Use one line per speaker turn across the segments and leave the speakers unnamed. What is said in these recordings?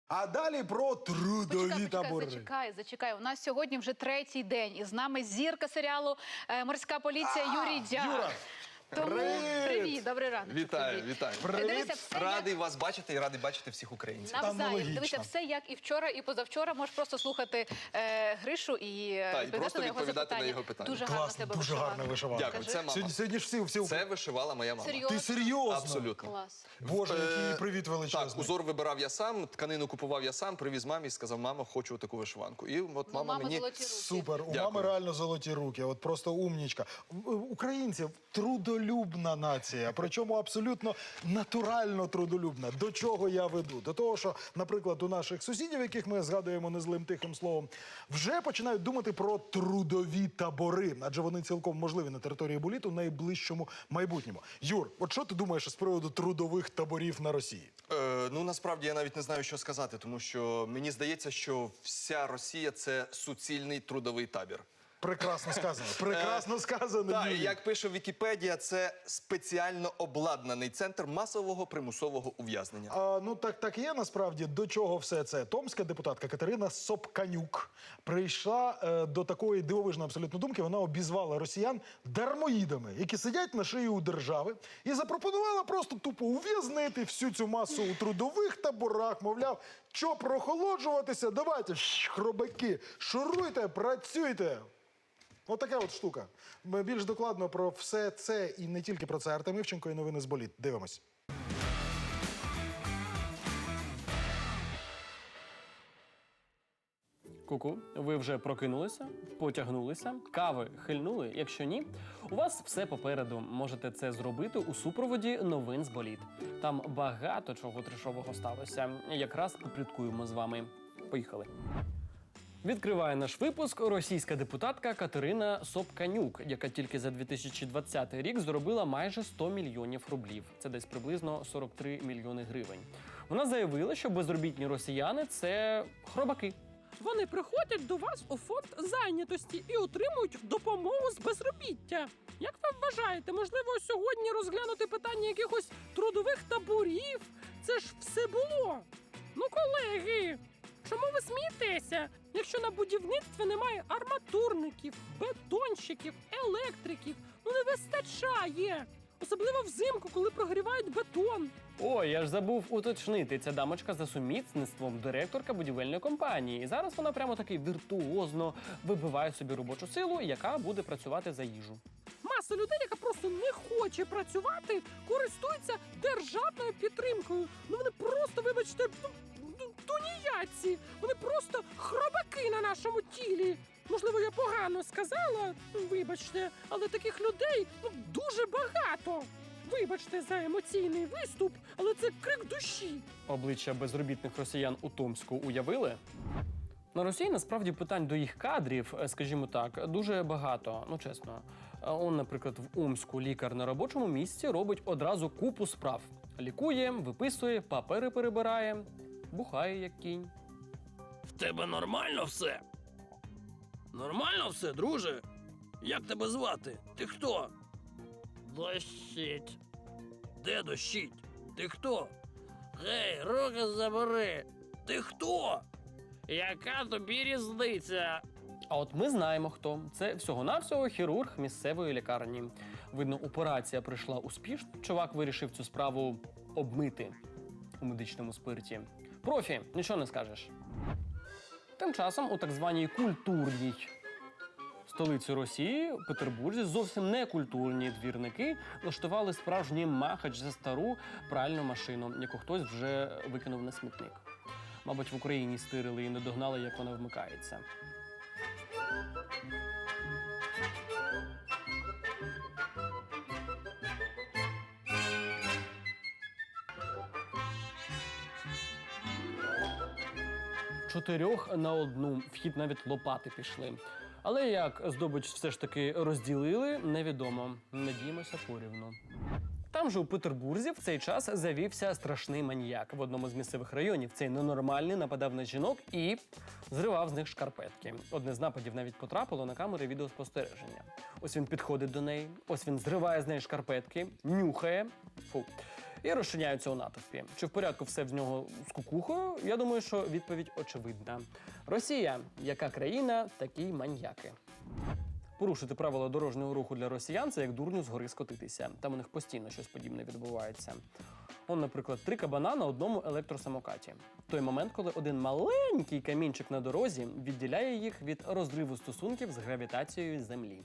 А далі про трудові табори.
Зачекай. У нас сьогодні вже третій день. І з нами зірка серіалу «Морська поліція» Юрій Дяк.
Юра!
Тому привіт, добрий ранок.
Вітаю.
Привіт.
Радий вас бачити і радий бачити всіх українців.
Навзаєм. Дивися, все як і вчора, і позавчора. Можеш просто слухати Гришу і
просто відповідати на його питання.
Дуже гарно тебе
дуже гарна вишиванка.
Дякую, це мама.
Сьогодні ж всі...
Це вишивала моя мама.
Серйозно?
Ти серйозно?
Абсолютно.
Клас.
Боже, який привіт величезний.
Так, узор вибирав я сам, тканину купував я сам, привіз мамі і сказав: мамо, хочу таку вишиванку. І от мама мені...
золоті руки.
Супер, у
Дякую.
мами реально золоті руки, от просто умнічка. Українці трудолюбна нація, причому абсолютно натурально трудолюбна. До чого я веду? До того, що, наприклад, у наших сусідів, яких ми згадуємо незлим тихим словом, вже починають думати про трудові табори, адже вони цілком можливі на території Буліту в найближчому майбутньому. Юр, от що ти думаєш з приводу трудових таборів на Росії?
Ну, насправді, я навіть не знаю, що сказати, тому що мені здається, що вся Росія – це суцільний трудовий табір.
Прекрасно сказано. Прекрасно сказано,
Так,
Юрій.
як пише Вікіпедія, це спеціально обладнаний центр масового примусового ув'язнення.
Ну, так і є, насправді. До чого все це? Томська депутатка Катерина Собканюк прийшла до такої дивовижної абсолютно думки. Вона обізвала росіян дармоїдами, які сидять на шиї у держави, і запропонувала просто тупо ув'язнити всю цю масу у трудових таборах. Мовляв, що прохолоджуватися? Давайте, хробаки, шуруйте, працюйте. От така от штука. Ми більш докладно про все це і не тільки про це. Артем Івченко і новини з Боліт. Дивимось.
Ку-ку, ви вже прокинулися, потягнулися, кави хильнули? Якщо ні, у вас все попереду. Можете це зробити у супроводі новин з Боліт. Там багато чого трешового сталося. Якраз попліткуємо з вами. Поїхали. Відкриває наш випуск російська депутатка Катерина Собканюк, яка тільки за 2020 рік заробила майже 100 мільйонів рублів. Це десь приблизно 43 мільйони гривень. Вона заявила, що безробітні росіяни – це хробаки.
Вони приходять до вас у фонд зайнятості і отримують допомогу з безробіття. Як ви вважаєте, можливо, сьогодні розглянути питання якихось трудових таборів? Це ж все було. Ну, колеги, чому ви смієтеся, якщо на будівництві немає арматурників, бетонщиків, електриків? Ну, не вистачає. Особливо взимку, коли прогрівають бетон.
Ой, я ж забув уточнити. Ця дамочка за сумісництвом директорка будівельної компанії. І зараз вона прямо таки віртуозно вибиває собі робочу силу, яка буде працювати за їжу.
Маса людей, яка просто не хоче працювати, користується державною підтримкою. Ну вони просто, вибачте, тунеядці. Вони просто хробаки на нашому тілі. Можливо, я погано сказала, вибачте, але таких людей дуже багато. Вибачте за емоційний виступ, але це крик душі.
Обличчя безробітних росіян у Томську уявили? На Росії насправді питань до їх кадрів, скажімо так, дуже багато, ну чесно. Он, наприклад, в Омську лікар на робочому місці робить одразу купу справ. Лікує, виписує, папери перебирає, бухає як кінь.
В тебе нормально все? Нормально все, друже? Як тебе звати? Ти хто? Дощить. Де дощить? Ти хто? Гей, руки забери. Ти хто? Яка тобі різниця?
А от ми знаємо, хто. Це всього-навсього хірург місцевої лікарні. Видно, операція пройшла успішно. Чувак вирішив цю справу обмити у медичному спирті. Профі, нічого не скажеш. Тим часом у так званій культурній столиці Росії, Петербурзі, зовсім некультурні двірники влаштували справжній махач за стару пральну машину, яку хтось вже викинув на смітник. Мабуть, в Україні стирили і не догнали, як вона вмикається. Чотирьох на одну, вхід навіть лопати пішли. Але як здобич все ж таки розділили, невідомо. Надіємося порівну. Там же у Петербурзі в цей час завівся страшний маніяк. В одному з місцевих районів цей ненормальний нападав на жінок і зривав з них шкарпетки. Одне з нападів навіть потрапило на камери відеоспостереження. Ось він підходить до неї, ось він зриває з неї шкарпетки, нюхає, і розчиняються у натовпі. Чи в порядку все в нього з кукухою? Я думаю, що відповідь очевидна. Росія, яка країна, такі й маньяки. Порушити правила дорожнього руху для росіян – це як дурню з гори скотитися. Там у них постійно щось подібне відбувається. Он, наприклад, 3 кабана на одному електросамокаті. Той момент, коли один маленький камінчик на дорозі відділяє їх від розриву стосунків з гравітацією Землі.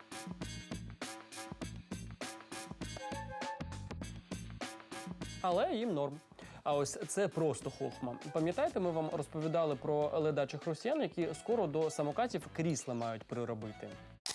Але їм норм. А ось це просто хохма. Пам'ятаєте, ми вам розповідали про ледачих росіян, які скоро до самокатів крісла мають приробити?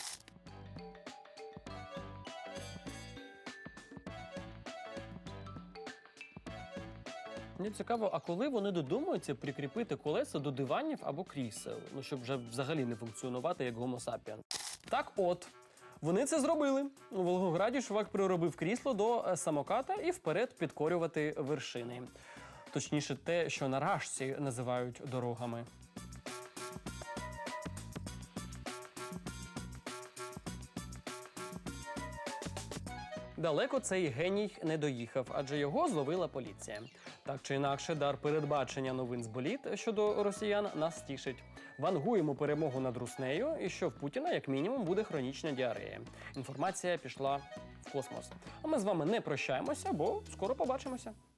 Мені цікаво, а коли вони додумаються прикріпити колеса до диванів або крісел, ну щоб вже взагалі не функціонувати як Homo sapiens. Так от, вони це зробили. У Волгограді чувак приробив крісло до самоката і вперед підкорювати вершини. Точніше, те, що на рашці називають дорогами. Далеко цей геній не доїхав, адже його зловила поліція. Так чи інакше, дар передбачення новин з боліт щодо росіян нас тішить. Вангуємо перемогу над Руснею і що в Путіна, як мінімум, буде хронічна діарея. Інформація пішла в космос. А ми з вами не прощаємося, бо скоро побачимося.